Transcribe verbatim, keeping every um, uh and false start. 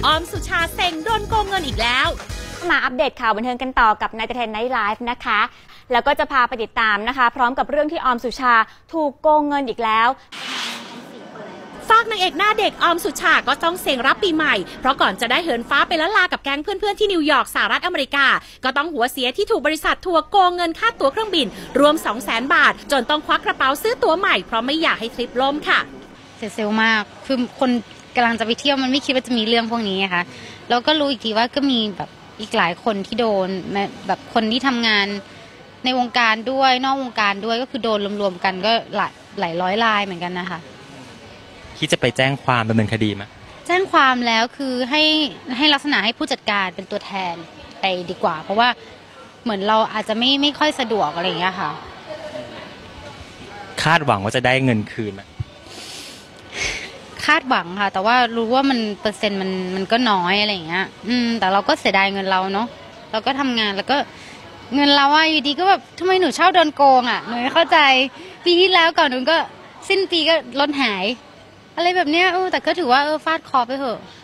ออมสุชาเซ็งโดนโกงเงินอีกแล้วมาอัปเดตข่าวบันเทิงกันต่อกับนายเทนไนท์ไลฟ์นะคะแล้วก็จะพาไปติดตามนะคะพร้อมกับเรื่องที่ออมสุชาถูกโกงเงินอีกแล้วฝากนางเอกหน้าเด็กออมสุชาก็ต้องเซ็งรับปีใหม่เพราะก่อนจะได้เหินฟ้าไปละลากับแก๊งเพื่อนๆที่นิวยอร์กสหรัฐอเมริกาก็ต้องหัวเสียที่ถูกบริษัททัวร์โกงเงินค่าตั๋วเครื่องบินรวม สองแสน บาทจนต้องควักกระเป๋าซื้อตั๋วใหม่เพราะไม่อยากให้ทริปล่มค่ะเสียเซลล์มากคือคนกำลังจะไปเที่ยวมันไม่คิดว่าจะมีเรื่องพวกนี้ค่ะแล้วก็รู้อีกทีว่าก็มีแบบอีกหลายคนที่โดนแบบคนที่ทำงานในวงการด้วยนอกวงการด้วยก็คือโดนรวมๆกันก็หลายหลายร้อยรายเหมือนกันนะคะคิดจะไปแจ้งความดำเนินคดีไหมแจ้งความแล้วคือให้ให้ลักษณะให้ผู้จัดการเป็นตัวแทนไปดีกว่าเพราะว่าเหมือนเราอาจจะไม่ไม่ค่อยสะดวกอะไรอย่างเงี้ยค่ะคาดหวังว่าจะได้เงินคืนไหมคาดหวังค่ะแต่ว่ารู้ว่ามันเปอร์เซ็นต์มันมันก็น้อยอะไรอย่างเงี้ยอืมแต่เราก็เสียดายเงินเราเนาะเราก็ทำงานแล้วก็เงินเราอะอยู่ดีก็แบบทำไมหนูชอบโดนโกงอะหนูไม่เข้าใจปีที่แล้วก่อนหนูก็สิ้นปีก็ล้นหายอะไรแบบเนี้ยเออแต่ก็ถือว่าเออฟาดคอไปเถอะ